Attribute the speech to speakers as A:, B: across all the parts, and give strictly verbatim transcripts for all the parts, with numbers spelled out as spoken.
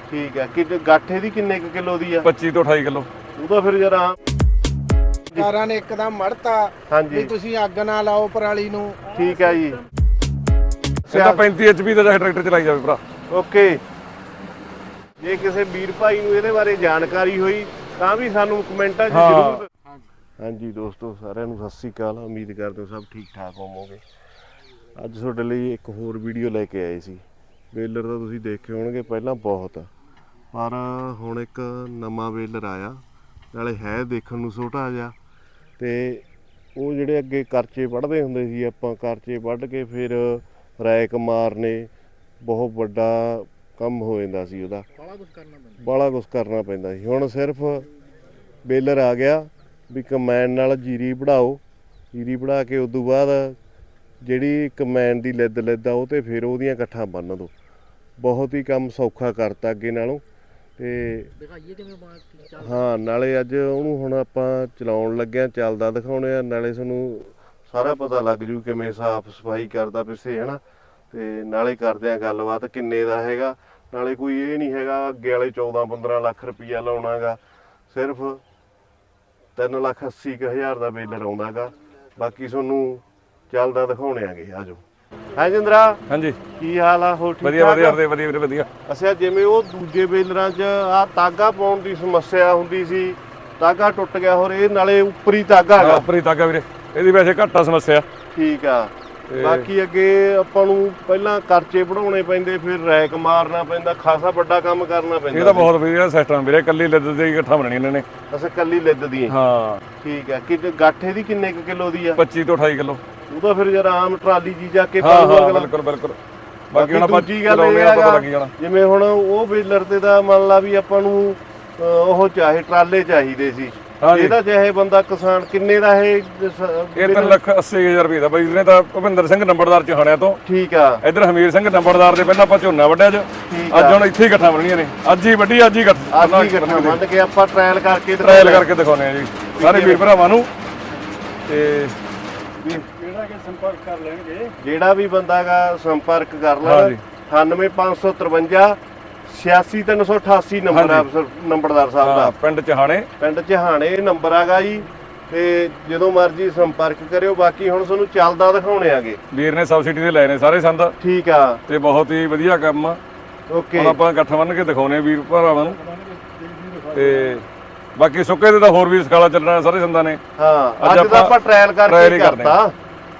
A: ਠੀਕ ਹੈ। ਕਿ ਗਾਠੇ ਦੀ ਕਿੰਨੇ ਕੁ ਕਿਲੋ ਦੀ ਆ?
B: ਪੱਚੀ ਤੋਂ ਅਠਾਈ ਕਿਲੋ।
A: ਉਹ ਤਾਂ ਫਿਰ ਜਰਾ
C: ਕਾਰਾਂ ਨੇ ਇੱਕਦਮ ਮੜਤਾ
A: ਹਾਂਜੀ
C: ਵੀ ਤੁਸੀਂ ਅੱਗ ਨਾ ਲਾਓ ਪਰਾਲੀ ਨੂੰ।
A: ਠੀਕ ਹੈ ਜੀ।
B: ਇਹਦਾ ਪੈਂਤੀ ਐਚ ਪੀ ਦਾ ਟਰੈਕਟਰ ਚਲਾਈ ਜਾਵੇ ਭਰਾ।
A: ਓਕੇ, ਜੇ ਕਿਸੇ ਵੀਰ ਭਾਈ ਨੂੰ ਇਹਦੇ ਬਾਰੇ ਜਾਣਕਾਰੀ ਹੋਈ ਤਾਂ ਵੀ ਸਾਨੂੰ ਕਮੈਂਟਾਂ 'ਚ ਜ਼ਰੂਰ। ਹਾਂਜੀ ਦੋਸਤੋ, ਸਾਰਿਆਂ ਨੂੰ ਸਤਿ ਸ੍ਰੀ ਅਕਾਲ। ਉਮੀਦ ਕਰਦੇ ਹਾਂ ਸਭ ਠੀਕ ਠਾਕ ਹੋਵੋਗੇ। ਅੱਜ ਤੁਹਾਡੇ ਲਈ ਇੱਕ ਹੋਰ ਵੀਡੀਓ ਲੈ ਕੇ ਆਏ ਸੀ। ਬੇਲਰ ਤਾਂ ਤੁਸੀਂ ਦੇਖੇ ਹੋਣਗੇ ਪਹਿਲਾਂ ਬਹੁਤ, ਪਰ ਹੁਣ ਇੱਕ ਨਵਾਂ ਬੇਲਰ ਆਇਆ, ਨਾਲੇ ਹੈ ਦੇਖਣ ਨੂੰ ਛੋਟਾ ਜਿਹਾ। ਤੇ ਉਹ ਜਿਹੜੇ ਅੱਗੇ ਕਰਚੇ ਵੱਢਦੇ ਹੁੰਦੇ ਸੀ ਆਪਾਂ, ਕਰਚੇ ਵੱਢ ਕੇ ਫਿਰ ਰੈਕ ਮਾਰਨੇ, ਬਹੁਤ ਵੱਡਾ ਕੰਮ ਹੋ ਜਾਂਦਾ ਸੀ ਉਹਦਾ, ਬਾਹਲਾ ਕੁਛ ਕਰਨਾ ਪੈਂਦਾ ਸੀ। ਹੁਣ ਸਿਰਫ ਬੇਲਰ ਆ ਗਿਆ ਵੀ ਕੰਬਾਈਨ ਨਾਲ ਜੀਰੀ ਵਢਾਓ, ਜੀਰੀ ਵਢਾ ਕੇ ਉਦੋਂ ਬਾਅਦ ਜਿਹੜੀ ਕੰਬਾਈਨ ਦੀ ਲਿੱਦ ਲਿੱਦ ਆ ਉਹ 'ਤੇ ਫਿਰ ਉਹਦੀਆਂ ਇਕੱਠਾਂ ਬੰਨ੍ਹ ਦਿਓ। ਬਹੁਤ ਹੀ ਕੰਮ ਸੌਖਾ ਕਰਤਾ ਅੱਗੇ ਨਾਲੋਂ। ਤੇ ਹਾਂ, ਨਾਲੇ ਅੱਜ ਉਹਨੂੰ ਹੁਣ ਆਪਾਂ ਚਲਾਉਣ ਲੱਗਿਆ, ਚੱਲਦਾ ਦਿਖਾਉਣੇ ਆ, ਨਾਲੇ ਤੁਹਾਨੂੰ ਸਾਰਾ ਪਤਾ ਲੱਗ ਜੂ ਕਿਵੇਂ ਸਾਫ਼ ਸਫਾਈ ਕਰਦਾ ਪਿੱਛੇ, ਹੈ ਨਾ। ਤੇ ਨਾਲੇ ਕਰਦੇ ਆ ਗੱਲਬਾਤ ਕਿੰਨੇ ਦਾ ਹੈਗਾ। ਨਾਲੇ ਕੋਈ ਇਹ ਨਹੀਂ ਹੈਗਾ ਅੱਗੇ ਵਾਲੇ ਚੌਦਾਂ ਪੰਦਰਾਂ ਲੱਖ ਰੁਪਈਆ ਲਾਉਣਾ ਗਾ, ਸਿਰਫ ਤਿੰਨ ਲੱਖ ਅੱਸੀ ਕੁ ਹਜ਼ਾਰ ਦਾ ਬੇਲਰ ਆਉਂਦਾ ਗਾ। ਬਾਕੀ ਤੁਹਾਨੂੰ ਚੱਲਦਾ ਦਿਖਾਉਣੇ ਆਗੇ, ਆ ਜਾਓ। ਹੈ ਜਿੰਦਰਾ। ਹਾਂਜੀ, ਕੀ ਹਾਲ ਆ? ਹੋਰ ਠੀਕ
B: ਵਧੀਆ ਵਧੀਆ ਵਧੀਆ ਵੀਰੇ ਵਧੀਆ।
A: ਅੱਛਾ, ਜਿਵੇਂ ਉਹ ਦੂਜੇ ਬੇਲਰਾਂ 'ਚ ਆ ਤਾਗਾ ਪਾਉਣ ਦੀ ਸਮੱਸਿਆ ਹੁੰਦੀ ਸੀ, ਤਾਗਾ ਟੁੱਟ ਗਿਆ, ਹੋਰ ਇਹ ਨਾਲੇ ਉੱਪਰੀ ਤਾਗਾ ਹੈਗਾ।
B: ਉੱਪਰੀ ਤਾਗਾ ਵੀਰੇ, ਇਹਦੀ ਵੈਸੇ ਘੱਟ ਆ ਸਮੱਸਿਆ।
A: ਠੀਕ ਆ। ਬਾਕੀ ਅੱਗੇ ਆਪਾਂ ਨੂੰ ਪਹਿਲਾਂ ਕਰਚੇ ਵਢਾਉਣੇ ਪੈਂਦੇ, ਫਿਰ ਰੈਕ ਮਾਰਨਾ ਪੈਂਦਾ, ਖਾਸਾ ਵੱਡਾ ਕੰਮ ਕਰਨਾ ਪੈਂਦਾ।
B: ਇਹ ਤਾਂ ਬਹੁਤ ਵਧੀਆ ਸਿਸਟਮ ਵੀਰੇ, ਕੱਲੀ ਲਿੱਦ ਦੀ ਇਕੱਠਾ ਬਣਨੀ ਇਹਨਾਂ ਨੇ।
A: ਅੱਛਾ, ਕੱਲੀ ਲਿੱਦ ਦੀ?
B: ਹਾਂ
A: ਠੀਕ ਆ। ਕਿ ਗਾਠੇ ਦੀ ਕਿੰਨੇ ਕੁ ਕਿਲੋ ਦੀ ਆ?
B: ਪੱਚੀ ਤੋਂ ਅਠਾਈ ਕਿਲੋ।
A: ਉਹ ਤਾਂ ਫਿਰ ਜਰਾ ਆਮ ਟਰਾਲੀ ਜੀ ਜਾ ਕੇ
B: ਹਾਂ ਹਾਂ ਬਿਲਕੁਲ ਬਿਲਕੁਲ। ਬਾਕੀ ਹੁਣ ਆਪਾਂ
A: ਦੂਜੀ ਗੱਲ ਇਹ ਹੈਗਾ, ਜਿਵੇਂ ਹੁਣ ਉਹ ਬੇਲਰ ਤੇ ਦਾ ਮੰਨ ਲਾ ਵੀ ਆਪਾਂ ਨੂੰ ਉਹ ਚਾਹੇ ਟਰਾਲੇ ਚਾਹੀਦੇ ਸੀ, ਇਹਦਾ ਚਾਹੇ ਬੰਦਾ ਕਿਸਾਨ ਕਿੰਨੇ ਦਾ ਇਹ?
B: ਇਹ ਤਿੰਨ ਲੱਖ ਅੱਸੀ ਹਜ਼ਾਰ ਰੁਪਏ ਦਾ ਬਾਈ ਨੇ ਤਾਂ ਭੁਪਿੰਦਰ ਸਿੰਘ ਨੰਬਰਦਾਰ ਚਹਾਣਿਆਂ ਤੋਂ।
A: ਠੀਕ ਆ।
B: ਇੱਧਰ ਹਮੀਰ ਸਿੰਘ ਨੰਬਰਦਾਰ ਦੇ ਪਹਿਲਾਂ ਆਪਾਂ ਝੋਨਾ ਵੱਢਿਆ ਅੱਜ, ਅੱਜ ਹੁਣ ਇੱਥੇ ਹੀ ਇਕੱਠਾ ਬਣਨੀਆਂ ਨੇ। ਅੱਜ ਹੀ ਵੱਢੀ, ਅੱਜ ਹੀ ਇਕੱਠਾ
A: ਅੱਜ ਹੀ ਇਕੱਠਾ ਮੰਨ ਕੇ ਆਪਾਂ ਟ੍ਰਾਇਲ ਕਰਕੇ
B: ਟ੍ਰਾਇਲ ਕਰਕੇ ਦਿਖਾਉਂਦੇ ਆ ਜੀ ਸਾਰੇ ਵੀਰ ਭਰਾਵਾਂ ਨੂੰ। ਤੇ
C: ਜਿਹੜਾ ਕਿ ਸੰਪਰਕ ਕਰ ਲੈਣਗੇ,
A: ਜਿਹੜਾ ਵੀ ਬੰਦਾ ਗਾ ਸੰਪਰਕ ਕਰ ਲੈਣਾ। ਅਠਾਨਵੇਂ ਪੰਜ ਸੌ ਤਰਵੰਜਾ ਛਿਆਸੀ ਤਿੰਨ ਸੌ ਅਠਾਸੀ ਨੰਬਰ ਆ ਨੰਬਰਦਾਰ ਸਾਹਿਬ ਦਾ,
B: ਪਿੰਡ ਚਹਾਣੇ।
A: ਪਿੰਡ ਚਹਾਣੇ ਨੰਬਰ ਆਗਾ ਜੀ। ਤੇ ਜਦੋਂ ਮਰਜ਼ੀ ਸੰਪਰਕ ਕਰਿਓ। ਬਾਕੀ ਹੁਣ ਤੁਹਾਨੂੰ ਚੱਲਦਾ ਦਿਖਾਉਣੇ ਆਗੇ।
B: ਵੀਰ ਨੇ ਸਬਸਿਡੀ ਤੇ ਲਏ ਨੇ ਸਾਰੇ ਸੰਦ।
A: ਠੀਕ ਆ।
B: ਤੇ ਬਹੁਤ ਹੀ ਵਧੀਆ ਕੰਮ ਆ।
A: ਓਕੇ,
B: ਹੁਣ ਆਪਾਂ ਇਕੱਠ ਬੰਨ ਕੇ ਦਿਖਾਉਣੇ ਵੀਰ ਭਰਾਵਾਂ ਨੂੰ। ਤੇ ਬਾਕੀ ਸੁੱਕੇ ਤੇ ਤਾਂ ਹੋਰ ਵੀ ਸਕਾਲਾ ਚੱਲਣਾ ਸਾਰੇ ਸੰਦਾਂ ਨੇ।
A: ਹਾਂ, ਅੱਜ ਤਾਂ ਆਪਾਂ ਟ੍ਰਾਇਲ ਕਰਕੇ ਕਰਤਾ।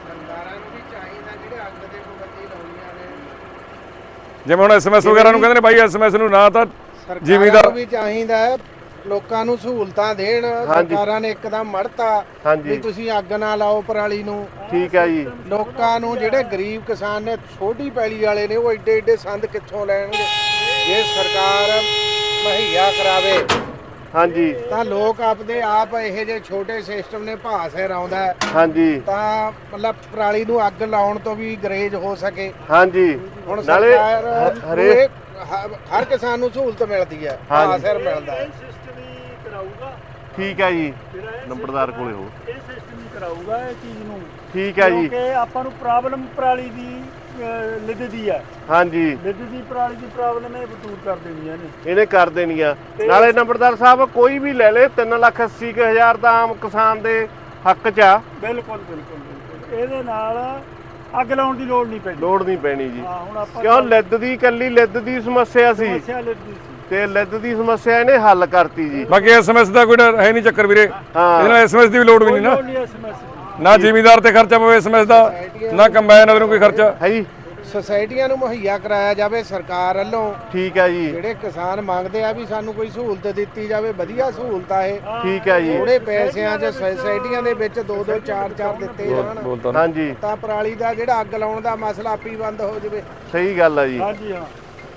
B: ਜਿਵੇਂ ਹੁਣ ਐਸਐਮਐਸ ਵਗੈਰਾ ਨੂੰ ਕਹਿੰਦੇ ਨੇ ਬਾਈ, ਐਸਐਮਐਸ ਨੂੰ ਨਾ ਤਾਂ ਜ਼ਿਮੀਂਦਾਰ
C: ਵੀ ਚਾਹੀਦਾ, ਲੋਕਾਂ ਨੂੰ ਸਹੂਲਤਾਂ ਦੇਣ। ਸਰਕਾਰਾਂ ਨੇ ਇੱਕਦਮ ਮੜਤਾ ਵੀ ਤੁਸੀਂ ਅੱਗ ਨਾ ਲਾਓ ਪਰਾਲੀ ਨੂੰ।
A: ਠੀਕ ਹੈ ਜੀ।
C: ਲੋਕਾਂ ਨੂੰ ਜਿਹੜੇ ਗਰੀਬ ਕਿਸਾਨ ਨੇ, ਛੋਟੀ ਪੈਲੀ ਵਾਲੇ ਨੇ, ਉਹ ਏਡੇ ਏਡੇ ਸੰਦ ਕਿੱਥੋਂ ਲੈਣਗੇ? ਜੇ ਸਰਕਾਰ ਮੁਹੱਈਆ ਕਰਾਵੇ
A: ਹਾਂਜੀ
C: ਤਾਂ ਲੋਕ ਆਪਦੇ ਆਪ ਇਹੋ ਜਿਹੇ ਛੋਟੇ ਸਿਸਟਮ ਨੇ ਭਾਅ ਸਿਰ ਆਉਂਦਾ
A: ਹਾਂਜੀ, ਤਾਂ
C: ਮਤਲਬ ਪਰਾਲੀ ਨੂੰ ਅੱਗ ਲਾਉਣ ਤੋਂ ਵੀ ਗਰੇਜ ਹੋ ਸਕੇ।
A: ਹਾਂਜੀ,
C: ਹੁਣ ਸਰਕਾਰ ਹਰੇਕ ਹਰ ਕਿਸਾਨ ਨੂੰ ਸਹੂਲਤ ਮਿਲਦੀ ਹੈ, ਭਾਅ ਸਿਰ ਮਿਲਦਾ ਹੈ।
A: ਠੀਕ ਹੈ ਜੀ। ਨੰਬਰਦਾਰ ਕੋਲੇ ਹੋ,
D: ਇਹ ਸਿਸਟਮ ਹੀ ਕਰਾਊਗਾ ਇਹ ਚੀਜ਼ ਨੂੰ।
A: ਠੀਕ ਹੈ ਜੀ।
D: ਕਿਉਂਕਿ ਆਪਾਂ ਨੂੰ ਪ੍ਰੋਬਲਮ ਪਰਾਲੀ ਦੀ ਲਿੱਦ ਦੀ ਆ।
A: ਹਾਂਜੀ,
D: ਲਿੱਦ ਦੀ ਪਰਾਲੀ ਦੀ ਪ੍ਰੋਬਲਮ ਇਹ ਦੂਰ ਕਰ ਦੇਣੀਆਂ ਨੇ,
A: ਇਹਨੇ ਕਰ ਦੇਣੀਆਂ। ਨਾਲੇ ਨੰਬਰਦਾਰ ਸਾਹਿਬ ਕੋਈ ਵੀ ਲੈ ਲੇ, ਤਿੰਨ ਲੱਖ ਅੱਸੀ ਕੁ ਹਜ਼ਾਰ ਦਾ ਆਮ ਕਿਸਾਨ ਦੇ ਹੱਕ 'ਚ ਆ।
D: ਬਿਲਕੁਲ ਬਿਲਕੁਲ ਬਿਲਕੁਲ। ਇਹਦੇ ਨਾਲ ਅੱਗ ਲਾਉਣ ਦੀ ਲੋੜ ਨਹੀਂ ਪੈਣੀ।
A: ਲੋੜ ਨਹੀਂ ਪੈਣੀ ਜੀ।
D: ਹਾਂ, ਹੁਣ ਆਪਾਂ
A: ਕਿਉਂ ਲਿੱਦ ਦੀ ਇਕੱਲੀ ਲਿੱਦ ਦੀ ਸਮੱਸਿਆ ਸੀ,
D: ਸਮੱਸਿਆ ਲਿੱਦ ਦੀ ਸੀ
A: ਤੇ ਲਿੱਦ ਦੀ ਸਮੱਸਿਆ ਇਹਨੇ ਹੱਲ ਕਰਤੀ ਜੀ।
B: ਬਾਕੀ ਐਸਐਮਐਸ ਦਾ ਕੋਈ ਹੈ ਨਹੀਂ ਚੱਕਰ ਵੀਰੇ। ਇਹਦੇ ਨਾਲ ਐਸਐਮਐਸ ਦੀ ਵੀ ਲੋੜ ਵੀ ਨਹੀਂ ਨਾ, ਨਾ ਜ਼ਿਮੀਂਦਾਰ ਤੇ ਖਰਚਾ ਪਵੇ ਐਸਐਮਐਸ ਦਾ, ਨਾ ਕੰਬਾਈਨ ਵਾਲੇ ਨੂੰ ਕੋਈ ਖਰਚਾ
A: ਹੈ ਜੀ।
C: ਸੁਸਾਇਟੀਆਂ ਨੂੰ ਮੁਹੱਈਆ ਕਰਾਇਆ ਜਾਵੇ ਸਰਕਾਰ ਵੱਲੋਂ।
A: ਠੀਕ ਹੈ ਜੀ।
C: ਜਿਹੜੇ ਕਿਸਾਨ ਮੰਗਦੇ ਆ ਵੀ ਸਾਨੂੰ ਕੋਈ ਸਹੂਲਤ ਦਿੱਤੀ ਜਾਵੇ, ਵਧੀਆ ਸਹੂਲਤ ਆ ਇਹ।
A: ਠੀਕ ਹੈ ਜੀ।
C: ਥੋੜੇ ਪੈਸਿਆਂ 'ਚ ਸੁਸਾਇਟੀਆਂ ਦੇ ਵਿੱਚ ਦੋ ਦੋ ਚਾਰ ਚਾਰ ਦਿੱਤੇ ਜਾਣ,
A: ਹਾਂਜੀ,
C: ਤਾਂ ਪਰਾਲੀ ਦਾ ਜਿਹੜਾ ਅੱਗ ਲਾਉਣ ਦਾ ਮਸਲਾ ਆਪੀ ਬੰਦ ਹੋ ਜਾਵੇ।
A: ਸਹੀ ਗੱਲ ਆ ਜੀ।
D: ਹਾਂਜੀ ਹਾਂ।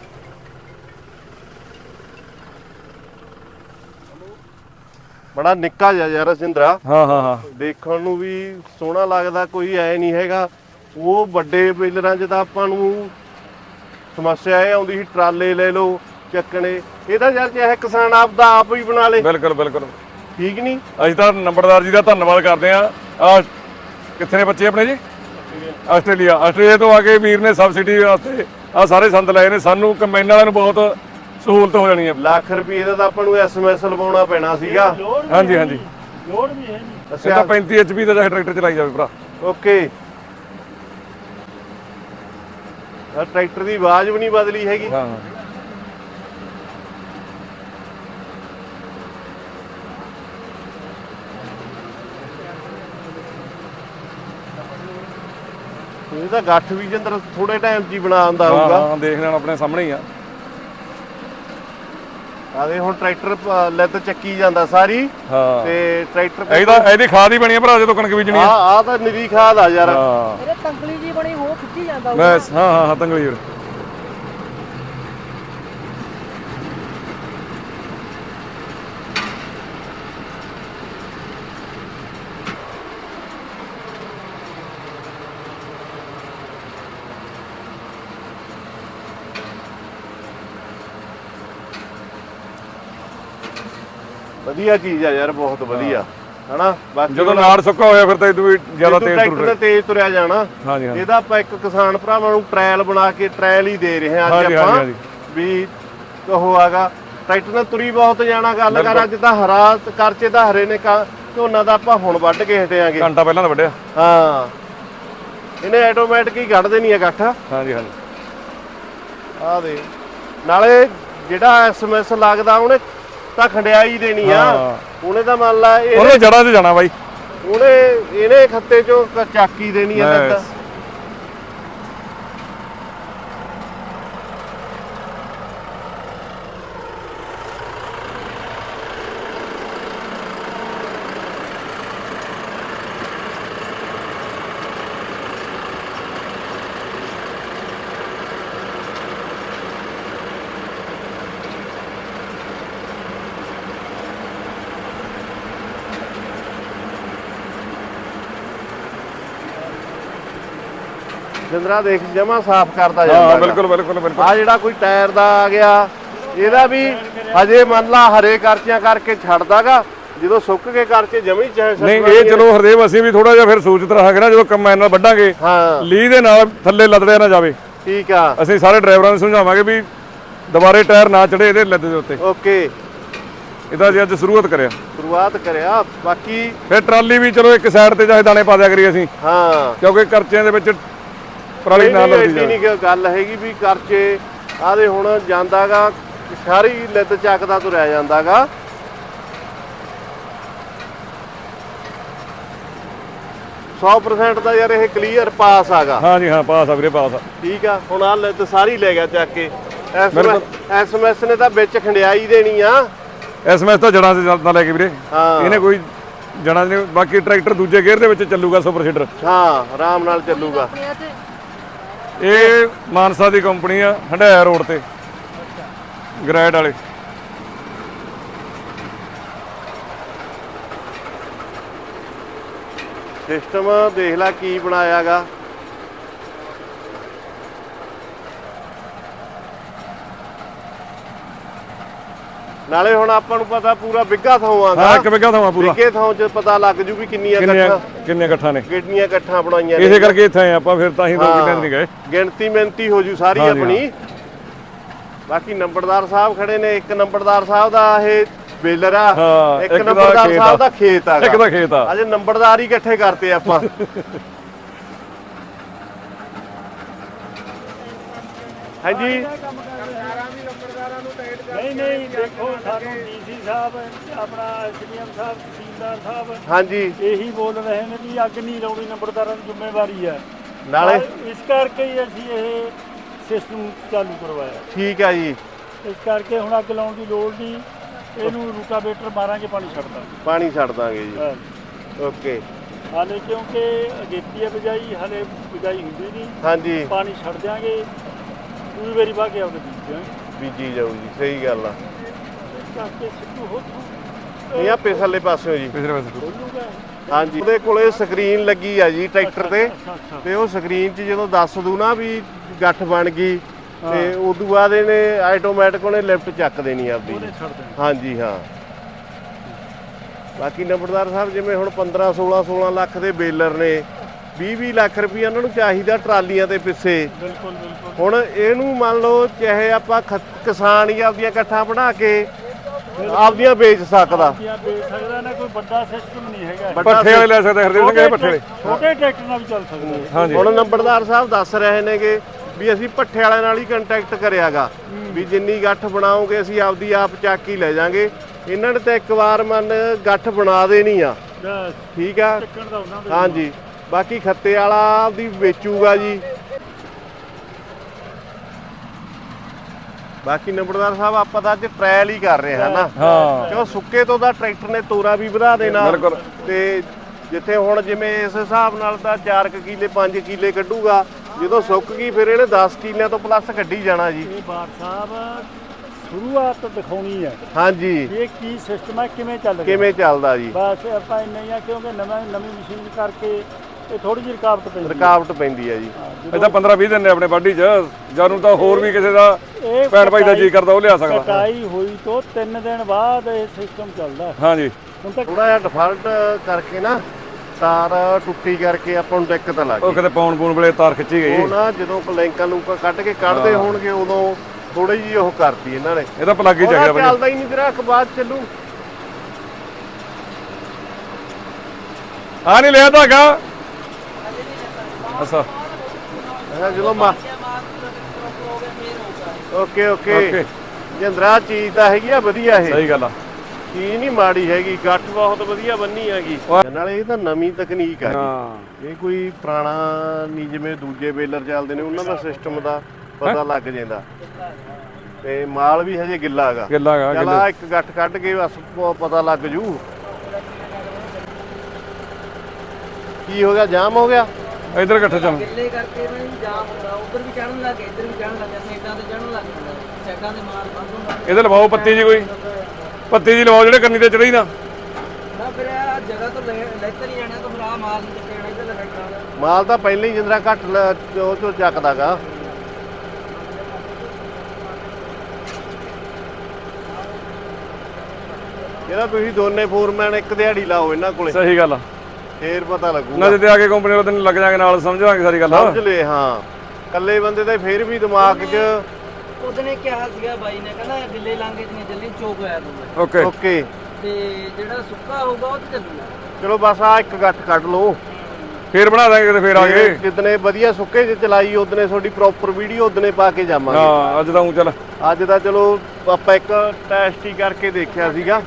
A: ਬੜਾ ਨਿੱਕਾ ਜਿਹਾ ਯਾਰ ਸਿੰਦਰਾ।
B: ਹਾਂ ਹਾਂ ਹਾਂ,
A: ਦੇਖਣ ਨੂੰ ਵੀ ਸੋਹਣਾ ਲੱਗਦਾ, ਕੋਈ ਐ ਨਹੀਂ ਹੈਗਾ। ਉਹ ਵੱਡੇ ਬੇਲਰਾਂ 'ਚ ਤਾਂ ਆਪਾਂ ਨੂੰ ਸਮੱਸਿਆ ਇਹ ਆਉਂਦੀ ਸੀ, ਟਰਾਲੇ ਲੈ ਲਓ ਚੱਕਣੇ। ਇਹਦਾ ਯਾਰ ਚਾਹੇ ਕਿਸਾਨ ਆਪ ਦਾ ਆਪ ਹੀ ਬਣਾ ਲੇ।
B: ਬਿਲਕੁਲ ਬਿਲਕੁਲ,
A: ਠੀਕ ਨਹੀਂ?
B: ਅਸੀਂ ਤਾਂ ਨੰਬਰਦਾਰ ਜੀ ਦਾ ਧੰਨਵਾਦ ਕਰਦੇ ਆ। ਆ ਕਿੱਥੇ ਨੇ ਬੱਚੇ ਆਪਣੇ ਜੀ? ਆਸਟ੍ਰੇਲੀਆ। ਆਸਟ੍ਰੇਲੀਆ ਤੋਂ ਆ ਕੇ ਵੀਰ ਨੇ ਸਬਸਿਡੀ ਵਾਸਤੇ ਆ ਸਾਰੇ ਸੰਦ ਲਏ ਨੇ। ਸਾਨੂੰ ਕੰਬਾਈਨ ਵਾਲਿਆਂ ਨੂੰ ਬਹੁਤ ਸਹੂਲਤ ਹੋ ਜਾਣੀ ਹੈ।
A: ਲੱਖ ਰੁਪਏ ਦਾ ਤਾਂ ਆਪਾਂ ਨੂੰ ਐਸਐਮਐਸ ਲਵਾਉਣਾ ਪੈਣਾ ਸੀਗਾ।
D: ਲੋੜ ਵੀ
B: ਹਾਂਜੀ,
D: ਹੈ
B: ਹਾਂਜੀ।
D: ਨਹੀਂ, ਲੋੜ ਵੀ ਹੈ ਨਹੀਂ।
B: ਇਹ
A: ਅੱਛਾ
B: ਤਾਂ ਪੈਂਤੀ ਐਚਪੀ ਦਾ ਚਾਹੇ ਟਰੈਕਟਰ ਚਲਾਈ ਜਾਵੇ ਭਰਾ।
A: ਓਕੇ। ਆ ਟਰੈਕਟਰ ਦੀ ਆਵਾਜ਼ ਵੀ ਨਹੀਂ ਬਦਲੀ ਹੈਗੀ।
B: ਹਾਂ
A: ਇਹ ਤਾਂ ਗੱਠ ਵੀ ਜਿੰਦਰ ਥੋੜੇ ਟਾਈਮ 'ਚ ਹੀ ਬਣਾ ਆਉਂਦਾ
B: ਹਾਂ
A: ਹੋਊਗਾ।
B: ਹਾਂ ਦੇਖ ਲੈਣ ਆਪਣੇ ਸਾਹਮਣੇ ਹੀ ਆ।
A: ਆਦੇ ਹੁਣ ਟਰੈਕਟਰ ਪ- ਲੱਤ ਚੱਕੀ ਜਾਂਦਾ ਸਾਰੀ
B: ਹਾਂ
A: ਤੇ ਟਰੈਕਟਰ
B: ਇਹਦਾ ਇਹਦੀ ਖਾਦ ਹੀ ਬਣੀ ਆ ਭਰਾ ਜਦੋਂ ਕਣਕ ਬੀਜਣੀ
A: ਆ
B: ਆ।
A: ਆ ਤਾਂ ਨਿਰੀ ਖਾਦ ਆ ਯਾਰ।
B: ਹਾਂ
E: ਇਹਦੇ ਤੰਗਲੀ ਜੀ ਬਣੀ ਉਹ ਖਿੱਚੀ ਜਾਂਦਾ ਹੋਊਗਾ।
B: ਬਸ ਹਾਂ ਹਾਂ ਹਾਂ ਤੰਗਲੀ ਵੀਰ।
A: ਵਧੀਆ ਚੀਜ਼ ਆ ਯਾਰ, ਬਹੁਤ ਵਧੀਆ ਹਨਾ। ਬਾਕੀ
B: ਜਦੋਂ ਨਾੜ ਸੁੱਕਾ ਹੋਇਆ ਫਿਰ ਤਾਂ ਇਹ ਤੋਂ ਵੀ ਜ਼ਿਆਦਾ ਤੇਜ਼
A: ਟਰੈਕਟਰ
B: ਤੁਰ
A: ਤੇ ਤੇਜ਼ ਤੁਰਿਆ ਜਾਣਾ।
B: ਹਾਂਜੀ ਹਾਂ
A: ਇਹਦਾ ਆਪਾਂ ਇੱਕ ਕਿਸਾਨ ਭਰਾਵਾਂ ਨੂੰ ਟ੍ਰਾਇਲ ਬਣਾ ਕੇ ਟ੍ਰਾਇਲ ਹੀ ਦੇ ਰਹੇ ਹਾਂ ਅੱਜ
B: ਹਾਂਜੀ,
A: ਆਪਾਂ
B: ਹਾਂਜੀ,
A: ਵੀ ਉਹ ਆਗਾ ਟਰੈਕਟਰ ਨਾਲ ਤੁਰੀ ਬਹੁਤ ਜਾਣਾ। ਗੱਲ ਕਰ ਅੱਜ ਤਾਂ ਹਰਾ ਕਰਚੇ ਦਾ ਹਰੇ ਨੇ ਕਾ- ਝੋਨਾ ਦਾ ਆਪਾਂ ਹੁਣ ਵੱਢ ਕੇ ਹਟਿਆਂਗੇ।
B: ਘੰਟਾ ਪਹਿਲਾਂ ਤਾਂ ਵੱਢਿਆ।
A: ਹਾਂ ਇਹਨੇ ਆਟੋਮੈਟਿਕ ਹੀ ਕੱਢ ਦੇਣੀ ਆ ਗੱਠ।
B: ਹਾਂਜੀ ਹਾਂਜੀ
A: ਆ ਦੇ ਨਾਲੇ ਜਿਹੜਾ ਐਸਐਮਐਸ ਲੱਗਦਾ ਉਹਨੇ ਤਾਂ ਖੰਡਿਆਈ ਦੇਣੀ ਆ।
B: ਹਾਂ।
A: ਉਹਨੇ ਤਾਂ ਮੰਨ ਲਾ ਇਹ
B: ਉਹਨੇ ਜੜਾਂ 'ਚ ਜਾਣਾ ਬਾਈ।
A: ਉਹਨੇ ਇਹਨੇ ਖੱਤੇ ਚੋਂ ਕ- ਚਾਕੀ ਦੇਣੀ ਆ ਲੱਤ।
B: ਬਸ।
A: ਜਿੰਦਰਾ ਦੇਖ ਜਮਾ ਸਾਫ਼ ਕਰਦਾ
B: ਹਾਂ
A: ਜਾਂਦਾ।
B: ਬਿਲਕੁਲ ਬਿਲਕੁਲ ਬਿਲਕੁਲ।
A: ਆ ਜਿਹੜਾ ਕੋਈ ਟਾਇਰ ਦਾ ਆ ਗਿਆ ਇਹਦਾ ਵੀ ਹਜੇ ਮੰਨ ਲਾ ਹਰੇ ਕਰਚਿਆਂ ਕਰਕੇ ਛੱਡਦਾਗਾ, ਜਦੋਂ ਸੁੱਕ ਕੇ ਕਰਚੇ ਜਮੀ ਚਾਹੇ
B: ਨਹੀਂ ਇਹ ਚਲੋ ਹਰਦੇਵ ਅਸੀਂ ਵੀ ਥੋੜਾ ਜਿਹਾ ਫਿਰ ਸੂਚਿਤ ਰਹਾਂਗੇ ਨਾ ਜਦੋਂ ਕੰਬਾਈਨ ਨਾਲ ਵੱਢਾਂਗੇ।
A: ਹਾਂ
B: ਲੀਹ ਦੇ ਨਾਲ ਥੱਲੇ ਲੱਦੜਿਆ ਨਾ ਜਾਵੇ।
A: ਠੀਕ ਆ।
B: ਅਸੀਂ ਸਾਰੇ ਡਰਾਈਵਰਾਂ ਨੂੰ ਸਮਝਾਵਾਂਗੇ ਵੀ ਦੁਬਾਰੇ ਟਾਇਰ ਨਾ ਚੜੇ ਇਹਦੇ ਲੱਦ ਦੇ ਉੱਤੇ।
A: ਓਕੇ
B: ਇਹਦਾ ਜੀ ਅੱਜ ਸ਼ੁਰੂਆਤ ਕਰਿਆ।
A: ਸ਼ੁਰੂਆਤ ਕਰਿਆ। ਬਾਕੀ
B: ਫਿਰ ਟਰਾਲੀ ਵੀ ਚਲੋ ਇੱਕ ਸਾਈਡ ਤੇ ਚਾਹੇ ਦਾਣੇ ਪਾ ਦਿਆ ਕਰੀਏ ਅਸੀਂ,
A: ਹਾਂ
B: ਕਿਉਂਕਿ ਕਰਚਿਆਂ ਦੇ ਵਿੱਚ ਪਰਾਲੀ
A: ਨਹੀਂ,
B: ਨਾਲ
A: ਨਹੀਂ,
B: ਲੱਗਦੀ
A: ਐਡੀ
B: ਜਾਵੇ।
A: ਨਹੀਂ ਕਿ ਗੱਲ ਹੈਗੀ ਵੀ ਕਰਚੇ ਆਦੇ ਹੁਣ ਜਾਂਦਾਗਾ ਸਾਰੀ ਲਿੱਤ ਚੱਕਦਾ ਤੁਰਿਆ ਜਾਂਦਾਗਾ। ਸੌ ਪ੍ਰਸੈਂਟ ਦਾ ਯਾਰ ਇਹ ਕਲੀਅਰ ਪਾਸ ਆਗਾ।
B: ਹਾਂਜੀ ਹਾਂ ਪਾਸ ਆ ਵੀਰੇ ਪਾਸ ਆ।
A: ਠੀਕ ਆ। ਹੁਣ ਆ ਲਿੱਤ ਸਾਰੀ ਲੈ ਗਿਆ ਚੱਕ ਕੇ।
B: ਬਿਲਕੁਲ।
A: ਐਸਐਮਐਸ ਨੇ ਤਾਂ ਵਿੱਚ ਖੰਡਿਆਈ ਦੇਣੀ ਆ।
B: ਐਸਐਮਐਸ ਤਾਂ ਜੜਾਂ 'ਚ ਜਾਂਦਾ ਲੈ ਕੇ ਵੀਰੇ।
A: ਹਾਂ
B: ਇਹਨੇ ਕੋਈ ਜੜਾਂ ਦੇ ਬਾਕੀ ਟਰੈਕਟਰ ਦੂਜੇ ਗੇਅਰ ਦੇ ਵਿੱਚ ਚੱਲੂਗਾ ਸੁਪਰ ਸੀਡਰ।
A: ਹਾਂ ਆਰਾਮ ਨਾਲ ਚੱਲੂਗਾ।
E: ਆਪਣੇ ਇੱਥੇ
B: ਇਹ ਮਾਨਸਾ ਦੀ ਕੰਪਨੀ ਆ, ਹੰਡਾਇਆ ਰੋਡ ਤੇ ਗ੍ਰੈਡ ਵਾਲੇ।
A: ਸਿਸਟਮ ਦੇਖ ਲੈ ਕੀ ਬਣਾਇਆਗਾ। ਨਾਲੇ ਹੁਣ ਆਪਾਂ ਨੂੰ ਪਤਾ ਪੂਰਾ ਬਿੱਗਾ ਥਾਂ
B: ਹਾਂ
A: ਆਗਾ।
B: ਇੱਕ ਵਿਗਾ ਥਾਂ ਪੂਰਾ।
A: ਬਿੱਗੇ ਥਾਂ 'ਚ ਪਤਾ ਲੱਗ ਜੂ ਵੀ ਕਿੰਨੀਆਂ
B: ਕਿੰਨੀਆਂ
A: ਇਕੱਠਾਂ
B: ਕਿੰਨੀਆਂ ਇਕੱਠਾਂ ਨੇ।
A: ਕਿੰਨੀਆਂ ਇਕੱਠਾਂ ਬਣਾਈਆਂ
B: ਇਸੇ ਕਰਕੇ ਇੱਥੇ ਆਏ ਆਪਾਂ, ਫਿਰ ਤਾਂ ਹੀ ਦੋ ਕਿੱਲੇ ਨਹੀਂ ਗਏ।
A: ਗਿਣਤੀ ਮਿਹਨਤੀ ਹੋ ਜੂ ਸਾਰੀ
B: ਹਾਂਜੀ,
A: ਆਪਣੀ। ਬਾਕੀ ਨੰਬਰਦਾਰ ਸਾਹਿਬ ਖੜੇ ਨੇ। ਇੱਕ ਨੰਬਰਦਾਰ ਸਾਹਿਬ ਦਾ ਇਹ ਬੇਲਰ ਆ।
B: ਹਾਂ,
A: ਇੱਕ
B: ਇੱਕ ਦਾ
A: ਨੰਬਰਦਾਰ
B: ਖੇਤ
A: ਸਾਹਿਬ
B: ਆ।
A: ਦਾ ਖੇਤ ਆ।
B: ਇੱਕ ਦਾ ਖੇਤ ਆ।
A: ਅੱਜ ਨੰਬਰਦਾਰ ਹੀ ਇਕੱਠੇ ਕਰਤੇ ਆਪਾਂ। ਹਾਂਜੀ
D: ਨਹੀਂ ਨਹੀਂ ਦੇਖੋ ਸਾਨੂੰ ਡੀਸੀ ਸਾਹਿਬ ਆਪਣਾ ਐਸਡੀਐਮ ਸਾਹਿਬ ਤਹਿਸੀਲਦਾਰ ਸਾਹਿਬ
A: ਹਾਂਜੀ
D: ਇਹੀ ਬੋਲ ਰਹੇ ਨੇ ਵੀ ਅੱਗ ਨਹੀਂ ਲਾਉਣੀ ਨੰਬਰਦਾਰਾਂ ਦੀ ਜ਼ਿੰਮੇਵਾਰੀ ਹੈ।
A: ਨਾਲੇ
D: ਔਰ ਇਸ ਕਰਕੇ ਹੀ ਅਸੀਂ ਇਹ ਸਿਸਟਮ ਚਾਲੂ ਕਰਵਾਇਆ।
A: ਠੀਕ ਆ ਜੀ।
D: ਇਸ ਕਰਕੇ ਹੁਣ ਅੱਗ ਲਾਉਣ ਦੀ ਲੋੜ ਨਹੀਂ। ਇਹਨੂੰ ਰੂਟਾਵੇਟਰ ਮਾਰਾਂਗੇ, ਪਾਣੀ ਛੱਡ ਦਾਂਗੇ।
A: ਪਾਣੀ ਛੱਡ ਦਾਂਗੇ ਜੀ।
D: ਬਸ।
A: ਓਕੇ
D: ਹਾਲੇ ਕਿਉਂਕਿ ਅਗੇਤੀ ਹੈ ਬਿਜਾਈ, ਹਾਲੇ ਬਿਜਾਈ ਹੁੰਦੀ ਨਹੀਂ।
A: ਹਾਂਜੀ
D: ਪਾਣੀ ਛੱਡ ਦਿਆਂਗੇ, ਦੂਜੀ ਵਾਰੀ ਵਾਹ ਕੇ ਆਪਦੇ ਬੀਜ ਦਿਆਂਗੇ।
A: ਬੀਜੀ ਜਾਊ ਜੀ। ਸਹੀ ਗੱਲ ਆ।
D: ਇਸ ਕਰਕੇ ਸਿੱਧੂ ਹੋ
A: ਇਹ ਆ ਪਿਛਲੇ ਪਾਸਿਓ ਜੀ।
B: ਪਿਛਲੇ ਪਾਸੇ
D: ਬੋਲੂਗਾ।
A: ਹਾਂਜੀ ਉਹਦੇ ਕੋਲੇ ਸਕਰੀਨ ਲੱਗੀ ਆ ਜੀ ਟਰੈਕਟਰ ਤੇ।
D: ਅੱਛਾ ਅੱਛਾ
A: ਤੇ ਉਹ ਸਕਰੀਨ 'ਚ ਜਦੋਂ ਦੱਸ ਦੂ ਨਾ ਵੀ ਗੱਠ ਬਣ ਗਈ ਤੇ ਉਦੋਂ ਬਾਅਦ ਇਹਨੇ ਆਟੋਮੈਟਿਕ ਉਹਨੇ ਲਿਫਟ ਚੱਕ ਦੇਣੀ ਆਪਦੀ।
D: ਉਹਨੇ ਛੱਡ ਦੇਣਾ।
A: ਹਾਂਜੀ ਹਾਂ। ਬਾਕੀ ਨੰਬਰਦਾਰ ਸਾਹਿਬ ਜਿਵੇਂ ਹੁਣ ਪੰਦਰਾਂ ਸੋਲਾਂ ਸੋਲਾਂ ਲੱਖ ਦੇ ਬੇਲਰ ਨੇ ਵੀਹ ਵੀਹ ਲੱਖ ਰੁਪਈਆ ਉਹਨਾਂ ਨੂੰ ਚਾਹੀਦਾ ਟਰਾਲੀਆਂ ਦੇ ਪਿੱਛੇ।
D: ਬਿਲਕੁਲ ਬਿਲਕੁਲ
A: ਹੁਣ ਇਹਨੂੰ ਮੰਨ ਲਓ ਚਾਹੇ ਆਪਾਂ ਖਤ- ਕਿਸਾਨ ਹੀ ਆਪਦੀਆਂ ਇਕੱਠਾਂ ਬਣਾ ਕੇ ਆਪਦੀਆਂ ਵੇਚ ਸਕਦਾ।
D: ਆਪਦੀਆਂ ਵੇਚ ਸਕਦਾ ਨਾ, ਕੋਈ ਵੱਡਾ ਸਿਸਟਮ ਨਹੀਂ ਹੈਗਾ।
A: ਵੱਡਾ
B: ਪੱਠੇ ਵਾਲੇ ਲੈ ਸਕਦੇ ਹਰਦੇਵ ਸਿੰਘ ਇਹ ਪੱਠੇ ਵਾਲੇ।
D: ਛੋਟੇ ਟਰੈਕਟਰ ਨਾਲ ਵੀ ਚੱਲ ਸਕਦਾ ਹੈ।
B: ਹਾਂਜੀ
A: ਹੁਣ ਨੰਬਰਦਾਰ ਸਾਹਿਬ ਦੱਸ ਰਹੇ ਨੇਗੇ ਵੀ ਅਸੀਂ ਭੱਠੇ ਵਾਲਿਆਂ ਨਾਲ ਹੀ ਕੰਟੈਕਟ ਕਰਿਆਗਾ ਵੀ ਜਿੰਨੀ ਗੱਠ ਬਣਾਓਗੇ ਅਸੀਂ ਆਪਦੀ ਆਪ ਚੱਕ ਹੀ ਲੈ ਜਾਾਂਗੇ। ਇਹਨਾਂ ਨੇ ਤਾਂ ਇੱਕ ਵਾਰ ਮਨ ਗੱਠ ਬਣਾ ਦੇਣੀ ਆ,
D: ਬਸ
A: ਠੀਕ ਆ।
D: ਚੱਕਣ ਦਾ ਉਹਨਾਂ ਦੇ
A: ਹਾਂਜੀ, ਬਾਕੀ ਖੱਤੇ ਵਾਲਾ ਆਪਦੀ ਵੇਚੂਗਾ ਜੀ। ਬਾਕੀ ਨੰਬਰਦਾਰ ਸਾਹਿਬ ਆਪਾਂ ਤਾਂ ਅੱਜ ਟ੍ਰਾਇਲ ਹੀ ਕਰ ਰਹੇ ਹਾਂ ਨਾ,
B: ਹਾਂ
A: ਕਿਉਂ ਸੁੱਕੇ ਤੋਂ ਦਾ ਟਰੈਕਟਰ ਨੇ ਤੋਰਾ ਵੀ ਵਧਾ ਦੇਣਾ
B: ਬਿਲਕੁਲ।
A: ਤੇ ਜਿੱਥੇ ਹੁਣ ਜਿਵੇਂ ਇਸ ਹਿਸਾਬ ਨਾਲ ਤਾਂ ਚਾਰ ਕਿੱਲੇ ਪੰਜ ਕਿੱਲੇ ਕੱਢੂਗਾ, ਜਦੋਂ ਸੁੱਕ ਗਈ ਫਿਰ ਇਹਨੇ ਦਸ ਕਿੱਲਿਆਂ ਤੋਂ ਪਲੱਸ ਕੱਢੀ ਜਾਣਾ ਜੀ।
D: ਇਹ ਬਾਰ ਸਾਹਿਬ ਸ਼ੁਰੂਆਤ ਦਿਖਾਉਣੀ ਹੈ
A: ਹਾਂਜੀ,
D: ਵੀ ਇਹ ਕੀ ਸਿਸਟਮ ਹੈ, ਕਿਵੇਂ ਚੱਲ ਰਿਹਾ।
A: ਕਿਵੇਂ ਚੱਲਦਾ ਜੀ।
D: ਬਸ ਆਪਾਂ ਇੰਨਾ ਹੀ ਆ, ਕਿਉਂਕਿ ਨਵਾਂ ਨਵੀਂ ਮਸ਼ੀਨ ਕਰਕੇ ਇਹ ਥੋੜੀ ਜਿਹੀ ਰੁਕਾਵਟ ਪੈਂਦੀ ਹੈ।
A: ਰੁਕਾਵਟ ਪੈਂਦੀ ਹੈ ਜੀ।
D: ਹਾਂ,
B: ਇਹ ਤਾਂ ਪੰਦਰਾਂ ਵੀਹ ਦਿਨ ਨੇ ਆਪਣੇ ਵਾਢੀ 'ਚ, ਜਦ ਨੂੰ ਤਾਂ ਹੋਰ ਵੀ ਕਿਸੇ ਦਾ
D: ਇਹ
B: ਭੈਣ ਭਾਈ ਦਾ ਜੀ ਕਰਦਾ ਉਹ ਲਿਆ ਸਕਦਾ।
D: ਕਟਾਈ ਹੋਈ ਤੋਂ ਤਿੰਨ ਦਿਨ ਬਾਅਦ ਇਹ ਸਿਸਟਮ ਚੱਲਦਾ।
B: ਹਾਂਜੀ
D: ਹੁਣ ਤੱਕ
A: ਥੋੜਾ ਜਿਹਾ ਡਿਫਾਲਟ ਕਰਕੇ ਨਾ ਤਾਰ ਟੁੱਟੀ ਕਰਕੇ ਆਪਾਂ ਨੂੰ ਦਿੱਕਤ ਲੱਗ
B: ਉਹ
A: ਗਈ।
B: ਕਿਤੇ ਪਾਉਣ ਪੂਣ ਵੇਲੇ ਤਾਰ ਖਿੱਚੀ ਗਈ।
A: ਉਹ ਨਾ ਜਦੋਂ ਲੈਂਕਾਂ ਲੂਕਾਂ ਕੱਢ ਕੇ ਕੱਢਦੇ ਹੋਣਗੇ ਉਦੋਂ ਥੋੜੀ ਜਿਹੀ ਉਹ ਕਰਤੀ ਇਹਨਾਂ ਨੇ।
B: ਇਹ ਤਾਂ ਪਲੱਗ ਹੀ
A: ਉਹਦਾ
B: ਚਾਹੀਦਾ ਬਈ।
A: ਚੱਲਦਾ ਹੀ ਨਹੀਂ ਤੇਰਾ ਅਖਬਾਰ ਚੱਲੂ।
B: ਆ ਨਹੀਂ ਲਿਆ ਧਾਗਾ। ਅੱਛਾ
A: ਹਾਂ ਜਦੋਂ ਮਾ ਓਕੇ ਓਕੇ
B: ਓਕੇ
A: ਜਿੰਦਰਾ ਚੀਜ਼ ਤਾਂ ਹੈਗੀ ਆ ਵਧੀਆ, ਇਹ
B: ਸਹੀ ਗੱਲ ਆ।
A: ਚੀਜ਼ ਨਹੀਂ ਮਾੜੀ ਹੈਗੀ, ਗੱਠ ਬਹੁਤ ਵਧੀਆ ਬੰਨੀ ਹੈਗੀ।
B: ਉਹ-
A: ਨਾਲੇ ਇਹ ਤਾਂ ਨਵੀਂ ਤਕਨੀਕ ਆ
B: ਹਾਂ
A: ਜੀ। ਇਹ ਕੋਈ ਪੁਰਾਣਾ ਨਹੀਂ, ਜਿਵੇਂ ਦੂਜੇ ਬੇਲਰ ਚੱਲਦੇ ਨੇ ਉਹਨਾਂ ਦਾ ਸਿਸਟਮ ਦਾ ਪਤਾ ਲੱਗ ਜਾਂਦਾ। ਤੇ ਮਾਲ ਵੀ ਹਜੇ ਗਿੱਲਾ ਹੈਗਾ।
B: ਗਿੱਲਾ ਹੈਗਾ,
A: ਚੱਲ
B: ਗਿੱਲਾ।
A: ਆਹ ਇੱਕ ਗੱਠ ਕੱਢ ਕੇ ਬਸ ਪ- ਪਤਾ ਲੱਗ ਜੂ। ਕੀ ਹੋ ਗਿਆ, ਜਾਮ ਹੋ ਗਿਆ।
B: ਇਧਰ ਇਕੱਠੇ ਚੱਲ।
E: ਗਿੱਲੇ ਕਰਕੇ ਨਾ ਜੀ ਜਾਮ ਹੁੰਦਾ, ਉੱਧਰ ਵੀ ਚੜਨ ਲੱਗੇ, ਇੱਧਰ ਵੀ ਚੜਨ ਲੱਗੇ, ਸਾਈਡਾਂ ਤੇ ਚੜਨ ਲੱਗ ਜਾਂਦਾ, ਸਾਈਡਾਂ ਤੇ ਮਾਰ ਬੰਦ ਹੁੰਦਾ
B: ਇਹਦੇ ਲਵਾਓ ਪੱਤੀ ਜੀ, ਕੋਈ ਪੱਤੀ ਜੀ ਲਵਾਓ ਜਿਹੜੇ ਕੰਨੀ ਤੇ ਚੜੀ ਨਾ।
E: ਨਾ। ਫਿਰ ਆ ਜਗ੍ਹਾ ਤੋਂ ਲੈ ਲੈਤਰ ਹੀ ਜਾਣਾ, ਤਾਂ ਫਿਰ ਆ ਮਾਲ ਨਹੀਂ ਚੱਕਣਾ, ਇੱਧਰ ਲੱਗਣਾ।
A: ਮਾਲ ਤਾਂ ਪਹਿਲਾਂ ਹੀ ਜਿੰਦਰਾ ਘੱਟ ਲ- ਉਹ ਚੋਂ ਚੱਕਦਾਗਾ। ਇਹਦਾ ਤੁਸੀਂ ਦੋਨੇ ਫੋਰਮੈਨ ਇੱਕ ਦਿਹਾੜੀ ਲਾਓ ਇਹਨਾਂ ਕੋਲੇ,
B: ਸਹੀ ਗੱਲ ਆ।
A: ਫੇਰ ਪਤਾ ਲੱਗੂਗਾ।
B: ਨਾ ਜਿੱਦੇ ਆ ਕੇ ਕੰਪਨੀ ਵਾਲੇ ਦਿਨ ਲੱਗ ਜਾਗੇ ਨਾਲ, ਸਮਝ ਲਾਂਗੇ ਸਾਰੀ ਗੱਲ।
A: ਸਮਝ ਲੈ। ਹਾਂ, ਇਕੱਲੇ ਬੰਦੇ ਦਾ ਫੇਰ ਵੀ ਦਿਮਾਗ 'ਚ
E: ਉਹਦਨੇ ਕਿਹਾ ਸੀਗਾ ਬਾਈ ਨੇ, ਕਹਿੰਦਾ ਗਿੱਲੇ ਲਾਂਗੇ ਜਿੰਨੇ ਜਲਦੀ ਚੋਕ ਹੋਇਆ ਦੂਗਾ,
B: ਓਕੇ
A: ਓਕੇ।
E: ਤੇ ਜਿਹੜਾ ਸੁੱਕਾ ਹੋਊਗਾ ਉਹ ਤੇ ਚੱਲੂਗਾ।
A: ਚਲੋ ਬਸ ਆ ਇੱਕ ਗੱਠ ਕੱਢ ਲਓ,
B: ਫੇਰ ਬਣਾ ਦਾਂਗੇ ਕਿਤੇ, ਫੇਰ ਆ ਗਏ।
A: ਜਿੱਦਨੇ ਵਧੀਆ ਸੁੱਕੇ 'ਚ ਚਲਾਈ ਉਦਨੇ ਤੁਹਾਡੀ ਪ੍ਰੋਪਰ ਵੀਡੀਓ ਉਦਨੇ ਪਾ ਕੇ ਜਾਵਾਂਗੇ।
B: ਹਾਂ ਅੱਜ ਤਾਂ ਊਂ ਚੱਲ।
A: ਅੱਜ ਤਾਂ ਚਲੋ ਆਪਾਂ ਇੱਕ ਟੈਸਟ ਹੀ ਕਰਕੇ ਦੇਖਿਆ ਸੀਗਾ।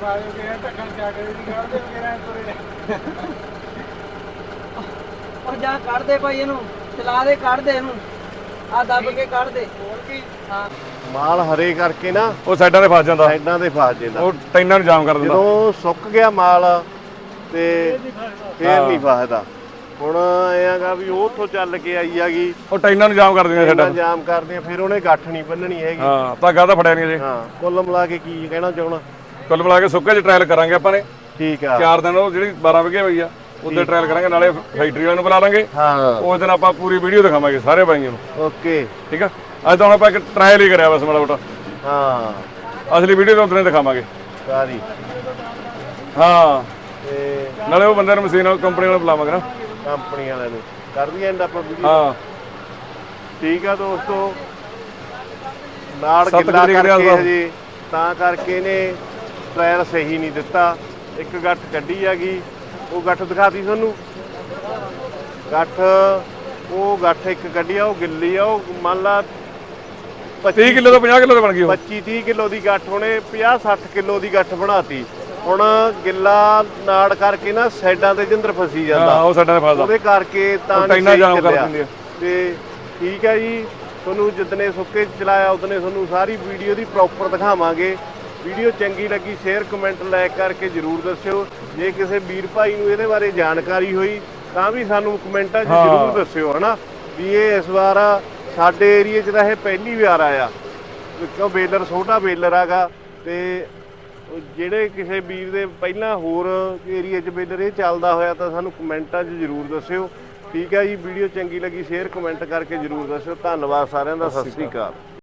E: ਉਹ ਜਾ ਕੱਢ ਦੇ ਭਾਈ ਇਹਨੂੰ, ਚਲਾ ਦੇ, ਕੱਢ ਦੇ ਇਹਨੂੰ, ਆ ਦੱਬ ਕੇ ਕੱਢ ਦੇ। ਹਾਂ
A: ਮਾਲ ਹਰੇ ਕਰਕੇ ਨਾ
B: ਉਹ ਸਾਈਡਾਂ ਤੇ ਫਸ ਜਾਂਦਾ,
A: ਸਾਈਡਾਂ ਤੇ ਫਸ ਜਾਂਦਾ।
B: ਉਹ ਟੈਨਾਂ ਨੂੰ ਜਾਮ ਕਰ ਦਿੰਦਾ।
A: ਜਦੋਂ ਸੁੱਕ ਗਿਆ ਮਾਲ ਤੇ ਫੇਰ ਨਹੀਂ ਫਸਦਾ। ਹੁਣ ਐ ਹੈਗਾ ਵੀ ਉਹ ਉੱਥੋਂ ਚੱਲ ਕੇ ਆਈ ਹੈਗੀ,
B: ਉਹ ਟੈਨਾਂ ਨੂੰ ਜਾਮ ਕਰ ਦਿੰਦਾ
A: ਇੰਨਾ
B: ਸਾਈਡਾਂ।
A: ਜਾਮ ਕਰਦੇ ਆ, ਫਿਰ ਉਹਨੇ ਗੱਠ ਨਹੀਂ ਬੰਨਣੀ ਹੈਗੀ।
B: ਹਾਂ ਧਾਗਾ ਤਾਂ ਫੜਿਆ ਨਹੀਂ ਅਜੇ।
A: ਹਾਂ, ਕੁੱਲ ਮਿਲਾ ਕੇ ਕੀ ਕਹਿਣਾ ਚਾਹਣਾ।
B: ਕੁੱਲ ਮਿਲਾ ਕੇ ਸੁੱਕੇ 'ਚ ਟ੍ਰਾਇਲ ਕਰਾਂਗੇ ਆਪਾਂ ਨੇ।
A: ਠੀਕ ਆ।
B: ਚਾਰ ਦਿਨ ਉਹ ਜਿਹੜੀ ਬਾਰਾਂ ਵਿਗੇ ਹੋਈ ਆ ਉਹਦੇ ਟ੍ਰਾਇਲ ਕਰਾਂਗੇ, ਨਾਲੇ ਫੈਕਟਰੀ ਵਾਲਿਆਂ ਨੂੰ ਬੁਲਾ ਲਾਂਗੇ।
A: ਹਾਂ
B: ਉਸ ਦਿਨ ਆਪਾਂ ਪੂਰੀ ਵੀਡੀਓ ਦਿਖਾਵਾਂਗੇ ਸਾਰੇ ਬਾਈਆਂ ਨੂੰ।
A: ਓਕੇ।
B: ਠੀਕ ਆ, ਅੱਜ ਤਾਂ ਹੁਣ ਆਪਾਂ ਇੱਕ ਟ੍ਰਾਇਲ ਹੀ ਕਰਿਆ ਬਸ ਮਾੜਾ ਮੋਟਾ,
A: ਹਾਂ
B: ਅਸਲੀ ਵੀਡੀਓ ਤਾਂ ਉਦੋਂ ਦਿਖਾਵਾਂਗੇ।
A: ਸਾਰੀ
B: ਹਾਂ
A: ਤੇ
B: ਨਾਲੇ ਉਹ ਬੰਦੇ ਨੂੰ ਮਸ਼ੀਨ ਵਾਲੀ ਕੰਪਨੀ ਵਾਲੇ ਬੁਲਾਵਾਂਗੇ ਨਾ।
A: ਕੰਪਨੀ ਵਾਲਿਆਂ ਨੂੰ ਕਰ ਦਈਏ ਐਂਡ ਆਪਾਂ ਵੀਡੀਓ।
B: ਹਾਂ
A: ਠੀਕ ਆ ਦੋਸਤੋ, ਨਾੜ
B: ਸੱਤ
A: ਗਿੱਲਾ
B: ਤਰੀਕ ਦੇ
A: ਕਰਕੇ
B: ਆਸ-ਪਾਸ।
A: ਹਜੇ ਤਾਂ ਕਰਕੇ ਨੇ ਟ੍ਰਾਇਲ ਸਹੀ ਨਹੀਂ ਦਿੱਤਾ। ਇੱਕ ਗੱਠ ਕੱਢੀ ਹੈਗੀ, ਉਹ ਗੱਠ ਦਿਖਾਤੀ ਤੁਹਾਨੂੰ। ਗੱਠ ਉਹ ਗੱਠ ਇੱਕ ਕੱਢੀ ਆ, ਉਹ ਗਿੱਲੀ ਆ। ਉਹ ਮੰਨ ਲਾ
B: ਤੀਹ ਕਿਲੋ ਤੋਂ ਪੰਜਾਹ ਕਿਲੋ ਤੇ ਬਣ ਗਈ ਉਹ।
A: ਪੱਚੀ ਤੀਹ ਕਿਲੋ ਦੀ ਗੱਠ, ਉਹਨੇ ਪੰਜਾਹ ਸੱਠ ਕਿਲੋ ਦੀ ਗੱਠ ਬਣਾਤੀ। ਹੁਣ ਗਿੱਲਾ ਨਾੜ ਕਰਕੇ ਨਾ ਸਾਈਡਾਂ ਤੇ ਜਿੰਦਰ ਫਸੀ ਜਾਂਦਾ,
B: ਹਾਂ ਉਹ ਸਾਡਾ ਫਸਦਾ,
A: ਉਹਦੇ ਕਰਕੇ ਤਾਂ
B: ਉਹ
A: ਨਹੀਂ
B: ਟੈਨਾਂ
A: ਸਹੀ
B: ਜਾਮ ਕਰ
A: ਚੱਲਿਆ।
B: ਦਿੰਦੀ ਆ।
A: ਤੇ ਠੀਕ ਹੈ ਜੀ, ਤੁਹਾਨੂੰ ਜਿੱਦਨੇ ਸੁੱਕੇ 'ਚ ਚਲਾਇਆ ਉਦਨੇ ਤੁਹਾਨੂੰ ਸਾਰੀ ਵੀਡੀਓ ਦੀ ਪ੍ਰੋਪਰ ਦਿਖਾਵਾਂਗੇ। ਵੀਡੀਓ ਚੰਗੀ ਲੱਗੀ ਸ਼ੇਅਰ ਕਮੈਂਟ ਲਾਈਕ ਕਰਕੇ ਜਰੂਰ ਦੱਸਿਓ। ਜੇ ਕਿਸੇ ਵੀਰ ਭਾਈ ਨੂੰ ਇਹਦੇ ਬਾਰੇ ਜਾਣਕਾਰੀ ਹੋਈ ਤਾਂ ਵੀ ਸਾਨੂੰ ਕਮੈਂਟਾਂ 'ਚ
B: ਹਾਂ।
A: ਜਰੂਰ ਦੱਸਿਓ, ਹਨਾ ਵੀ ਇਹ ਇਸ ਵਾਰ ਸਾਡੇ ਏਰੀਏ 'ਚ ਤਾਂ ਇਹ ਪਹਿਲੀ ਵਾਰ ਆਇਆ, ਕਿਉਂ ਬੇਲਰ ਛੋਟਾ ਬੇਲਰ ਹੈਗਾ। ਤੇ ਜਿਹੜੇ ਕਿਸੇ ਵੀਰ ਦੇ ਪਹਿਲਾਂ ਹੋਰ ਏਰੀਏ 'ਚ ਬੇਲਰ ਇਹ ਚੱਲਦਾ ਹੋਇਆ ਤਾਂ ਸਾਨੂੰ ਕਮੈਂਟਾਂ 'ਚ ਜਰੂਰ ਦੱਸਿਓ। ਠੀਕ ਹੈ ਜੀ, ਵੀਡੀਓ ਚੰਗੀ ਲੱਗੀ ਸ਼ੇਅਰ ਕਮੈਂਟ ਕਰਕੇ ਜਰੂਰ ਦੱਸਿਓ। ਧੰਨਵਾਦ ਸਾਰਿਆਂ ਦਾ, ਸਤਿ ਸ੍ਰੀ ਅਕਾਲ।